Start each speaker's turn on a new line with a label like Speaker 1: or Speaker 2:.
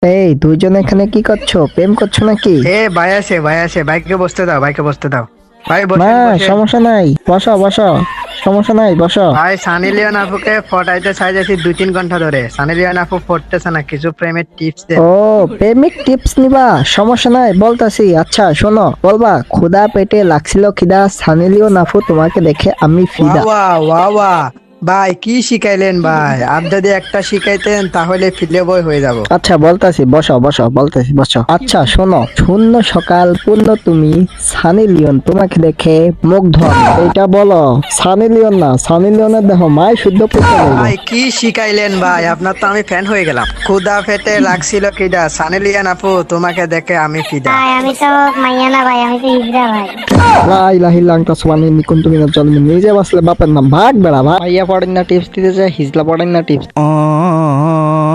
Speaker 1: এই দুইজন এখানে কি করছো? প্রেম করছো নাকি?
Speaker 2: ভাই আসে ভাইকে বসতে দাও, ভাইকে বসতে দাও। ভাই
Speaker 1: না,
Speaker 2: বসেন বসেন।
Speaker 1: সমস্যা নাই, বসো বসো। সমস্যা নাই, বসো।
Speaker 2: ভাই সানি লিওন আপুকে ফটাইতে চাইতেছি 2-3 ঘন্টা ধরে। সানি লিওন আপু পড়তেছে না, কিছু প্রেমের টিপস দেন।
Speaker 1: ও, প্রেমিক টিপস নিবা? সমস্যা নাই, বলতাছি। আচ্ছা শোনো, বলবা ক্ষুধা পেটে লাগছিল খিদা, সানি লিওন আপু তোমাকে দেখে আমি
Speaker 2: ওয়া
Speaker 1: ফিদা।
Speaker 2: ওয়া ওয়া ওয়া। ভাই কি শিখাইলেন ভাই? আর যদি একটা শিখাইতেন তাহলে ফিলে বই হয়ে যাব।
Speaker 1: আচ্ছা বলতাছি, বসো বসো, বলতাছি বসো। আচ্ছা শোনো, শূন্য সকাল পূর্ণ তুমি, সানি লিওন তোমাকে দেখে মুগ্ধ আমি। এটা বলো। সানি লিওন না, সানি লিওনের দেখো মাই শুদ্ধ করতে বলবো।
Speaker 2: ভাই কি শিখাইলেন ভাই? আপনার তো আমি ফ্যান হয়ে গেলাম। ক্ষুধা পেটে লাগছিল খিদা, সানি লিওন আপু তোমাকে দেখে আমি ফিদা।
Speaker 3: ভাই আমি তো মাইয়া না ভাই, আমি তো হিজড়া ভাই।
Speaker 1: লা ইলাহা ইল্লা আনতা সুবহানাকা ইন্নী কুনতু মিনাজ জালিমিন। নিজে বাসলে বাপের নাম, ভাগ বেড়া ভাগ। ভাইয়া পড়েন না টিপস দিতে যায়, হিজলা পড়েন না টিপস।